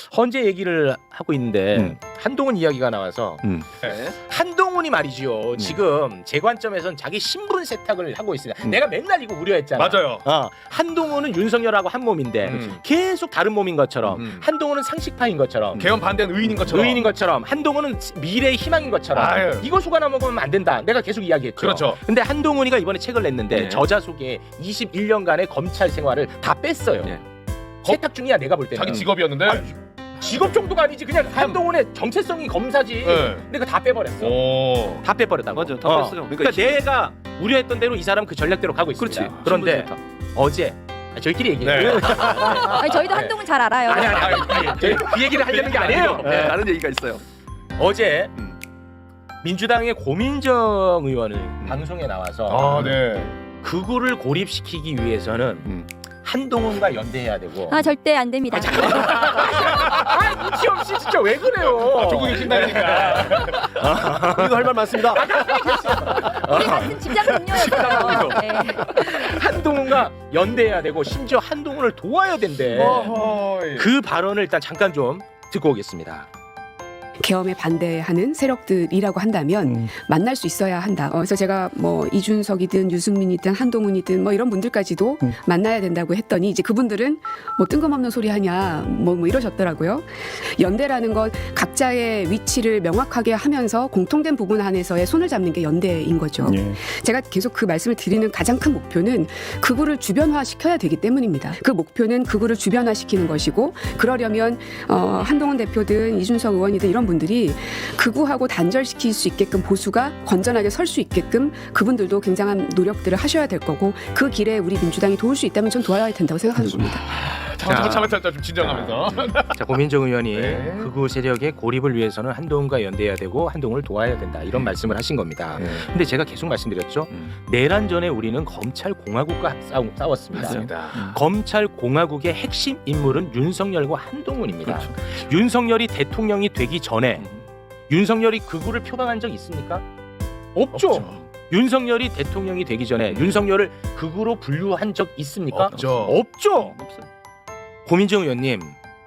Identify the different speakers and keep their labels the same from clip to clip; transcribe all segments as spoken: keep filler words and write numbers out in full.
Speaker 1: 헌재 얘기를 하고 있는데
Speaker 2: 음.
Speaker 1: 한동훈 이야기가 나와서
Speaker 2: 음.
Speaker 3: 네.
Speaker 1: 한동훈이 말이지요.
Speaker 2: 음.
Speaker 1: 지금 제 관점에선 자기 신분 세탁을 하고 있습니다.
Speaker 2: 음.
Speaker 1: 내가 맨날 이거 우려했잖아.
Speaker 3: 맞아요.
Speaker 1: 어, 한동훈은 윤석열하고 한 몸인데
Speaker 3: 음.
Speaker 1: 계속 다른 몸인 것처럼
Speaker 3: 음.
Speaker 1: 한동훈은 상식파인 것처럼
Speaker 3: 개헌 반대는 의인인 것처럼.
Speaker 1: 의인인 것처럼 한동훈은 미래의 희망인 것처럼
Speaker 3: 아유.
Speaker 1: 이거 속아나 먹으면 안 된다. 내가 계속 이야기했죠.
Speaker 3: 그렇죠.
Speaker 1: 근데 한동훈이가 이번에 책을 냈는데
Speaker 2: 네.
Speaker 1: 저자 속에 이십일 년간의 검찰 생활을 다 뺐어요.
Speaker 2: 네.
Speaker 1: 세탁 중이야 내가 볼 때는.
Speaker 3: 자기 직업이었는데.
Speaker 1: 아, 직업 정도가 아니지 그냥 한동훈의 정체성이 검사지.
Speaker 3: 네.
Speaker 1: 근데 그거 다 빼버렸어.
Speaker 3: 오.
Speaker 1: 다 빼버렸다고.
Speaker 2: 맞아, 다
Speaker 1: 어.
Speaker 2: 뺐어요.
Speaker 1: 그러니까,
Speaker 2: 그러니까
Speaker 1: 내가 우려했던 대로 이 사람 그 전략대로 가고 있습니다.
Speaker 2: 그렇지.
Speaker 1: 그런데
Speaker 2: 신분 세탁.
Speaker 1: 어제 아, 저희끼리 얘기해요.
Speaker 3: 네.
Speaker 4: 아니, 저희도
Speaker 1: 네.
Speaker 4: 한동훈 잘 알아요.
Speaker 1: 아니 아니 아니, 아니. 저희 그 얘기를 하려는 게 아니에요.
Speaker 2: 네.
Speaker 1: 네.
Speaker 2: 다른 얘기가 있어요.
Speaker 1: 어제
Speaker 2: 음.
Speaker 1: 민주당의 고민정 의원을 방송에 나와서
Speaker 3: 아, 네.
Speaker 1: 극우를 고립시키기 위해서는
Speaker 2: 음.
Speaker 1: 한동훈과 연대해야 되고.
Speaker 4: 아, 절대 안 됩니다.
Speaker 1: 아, 눈치 없이 진짜 왜 그래요?
Speaker 3: 아, 조국이 신다니까.
Speaker 2: 우리도 할 말 많습니다.
Speaker 4: 우리 같은 직장 동료였어요. 네.
Speaker 1: 한동훈과 연대해야 되고 심지어 한동훈을 도와야 된대.
Speaker 3: 어허이.
Speaker 1: 그 발언을 일단 잠깐 좀 듣고 오겠습니다.
Speaker 5: 계엄에 반대하는 세력들이라고 한다면
Speaker 2: 음.
Speaker 5: 만날 수 있어야 한다. 어, 그래서 제가 뭐 이준석이든 유승민이든 한동훈이든 뭐 이런 분들까지도
Speaker 2: 음.
Speaker 5: 만나야 된다고 했더니 이제 그분들은 뭐 뜬금없는 소리 하냐 뭐, 뭐 이러셨더라고요. 연대라는 것 각자의 위치를 명확하게 하면서 공통된 부분 안에서의 손을 잡는 게 연대인 거죠.
Speaker 2: 예.
Speaker 5: 제가 계속 그 말씀을 드리는 가장 큰 목표는 극우를 주변화시켜야 되기 때문입니다. 그 목표는 극우를 주변화시키는 것이고 그러려면 어, 한동훈 대표든 이준석 의원이든 이런 분들이 극우하고 단절시킬 수 있게끔 보수가 건전하게 설 수 있게끔 그분들도 굉장한 노력들을 하셔야 될 거고 그 길에 우리 민주당이 도울 수 있다면 전 도와야 된다고 생각하는 겁니다.
Speaker 3: 잠깐 잠깐 잠깐 좀 진정하면서.
Speaker 1: 자, 고민정 의원이
Speaker 3: 네.
Speaker 1: 극우 세력의 고립을 위해서는 한동훈과 연대해야 되고 한동훈을 도와야 된다 이런 말씀을 하신 겁니다.
Speaker 2: 예.
Speaker 1: 근데 제가 계속 말씀드렸죠.
Speaker 2: 음.
Speaker 1: 내란 전에 우리는 검찰 공화국과 싸우, 싸웠습니다.
Speaker 3: 맞습니다.
Speaker 1: 검찰 공화국의 핵심 인물은 윤석열과 한동훈입니다.
Speaker 2: 그렇죠.
Speaker 1: 윤석열이 대통령이 되기 전에
Speaker 2: 음.
Speaker 1: 윤석열이 극우를 표방한 적 있습니까? 없죠.
Speaker 3: 없죠.
Speaker 1: 윤석열이 대통령이 되기 전에 윤석열을 극우로 분류한 적 있습니까?
Speaker 3: 없죠.
Speaker 1: 없죠.
Speaker 2: 없어요.
Speaker 1: 고민정 의원님,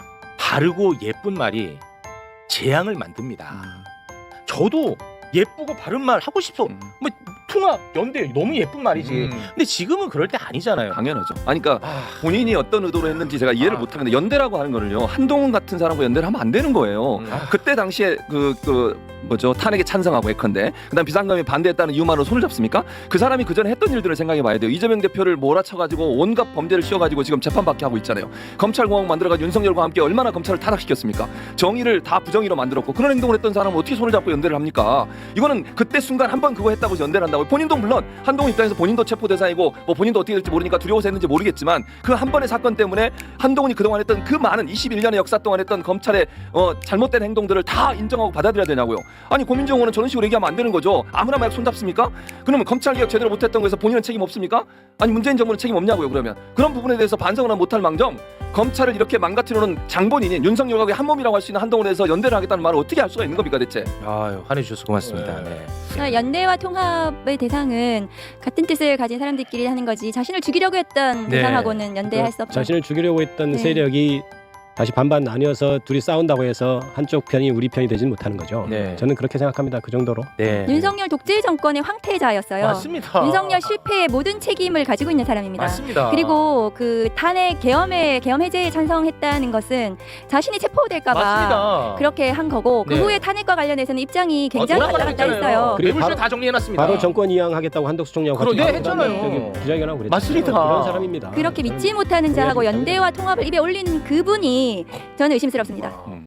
Speaker 1: 바르고 예쁜 말이 재앙을 만듭니다.
Speaker 2: 음.
Speaker 1: 저도 예쁘고 바른 말 하고 싶어.
Speaker 2: 음.
Speaker 1: 뭐 통합, 연대 너무 예쁜 말이지.
Speaker 3: 음.
Speaker 1: 근데 지금은 그럴 때 아니잖아요.
Speaker 2: 당연하죠. 아니 그러니까
Speaker 1: 아,
Speaker 2: 본인이 어떤 의도로 했는지 제가 이해를
Speaker 1: 아.
Speaker 2: 못하는데 연대라고 하는 거는요 한동훈 같은 사람과 연대를 하면 안 되는 거예요.
Speaker 3: 음.
Speaker 2: 그때 당시에 그, 그 뭐죠 탄핵에 찬성하고 예컨대 그다음 비상감에 반대했다는 이유만으로 손을 잡습니까? 그 사람이 그 전에 했던 일들을 생각해봐야 돼요. 이재명 대표를 몰아쳐가지고 온갖 범죄를 씌워가지고 지금 재판받게 하고 있잖아요. 검찰공화국 만들어가지고 윤석열과 함께 얼마나 검찰을 타락시켰습니까? 정의를 다 부정의로 만들었고 그런 행동을 했던 사람은 어떻게 손을 잡고 연대를 합니까? 이거는 그때 순간 한 번 그거 했다고 해서 연대를 한다고 본인도 물론 한동훈 입장에서 본인도 체포 대상이고 뭐 본인도 어떻게 될지 모르니까 두려워서 했는지 모르겠지만 그 한 번의 사건 때문에 한동훈이 그동안 했던 그 많은 이십일 년의 역사 동안 했던 검찰의 어, 잘못된 행동들을 다 인정하고 받아들여야 되냐고요. 아니 고민정 의원은 저런 식으로 얘기하면 안 되는 거죠. 아무나 막 손잡습니까? 그러면 검찰개혁 제대로 못했던 거에서 본인은 책임 없습니까? 아니 문재인 정부는 책임 없냐고요. 그러면 그런 부분에 대해서 반성을 못할 망정 검찰을 이렇게 망가뜨려놓은 장본인인 윤석열과 한 몸이라고 할 수 있는 한동훈에 대해서 연대를 하겠다는 말을 어떻게 할 수가 있는 겁니까 대체?
Speaker 1: 아유, 화내주셔서 고맙습니다.
Speaker 3: 네.
Speaker 1: 네.
Speaker 4: 그러니까 연대와 통합의 대상은 같은 뜻을 가진 사람들끼리 하는 거지 자신을 죽이려고 했던
Speaker 1: 네.
Speaker 4: 대상하고는 연대할 수 없죠.
Speaker 6: 자신을 죽이려고 했던
Speaker 4: 네.
Speaker 6: 세력이 다시 반반 나뉘어서 둘이 싸운다고 해서 한쪽 편이 우리 편이 되진 못하는 거죠.
Speaker 1: 네.
Speaker 6: 저는 그렇게 생각합니다. 그 정도로.
Speaker 1: 네.
Speaker 4: 윤석열 독재 정권의 황태자였어요.
Speaker 1: 맞습니다.
Speaker 4: 윤석열 실패의 모든 책임을 가지고 있는 사람입니다.
Speaker 1: 맞습니다.
Speaker 4: 그리고 그 탄핵 계엄에 계엄 해제에 찬성했다는 것은 자신이 체포될까봐
Speaker 1: 맞습니다.
Speaker 4: 그렇게 한 거고 그
Speaker 1: 네.
Speaker 4: 후에 탄핵과 관련해서는 입장이 굉장히
Speaker 1: 어,
Speaker 4: 왔다 갔다
Speaker 1: 돌아가셨잖아요.
Speaker 4: 했어요.
Speaker 6: 그리고
Speaker 1: 매물쇼
Speaker 6: 바로-
Speaker 1: 다 정리해놨습니다.
Speaker 6: 바로 정권 이양하겠다고 한덕수 총리하고
Speaker 1: 그러-
Speaker 6: 같이
Speaker 1: 네,
Speaker 6: 나가서
Speaker 1: 했잖아요.
Speaker 6: 저기 기자회견하고 그랬죠.
Speaker 1: 맞습니다.
Speaker 6: 그런 사람입니다.
Speaker 4: 그렇게
Speaker 6: 저는
Speaker 4: 믿지 못하는 자하고
Speaker 6: 동의하지
Speaker 4: 연대와 통합을 입에 올리는 그분이 저는 의심스럽습니다.
Speaker 2: 음.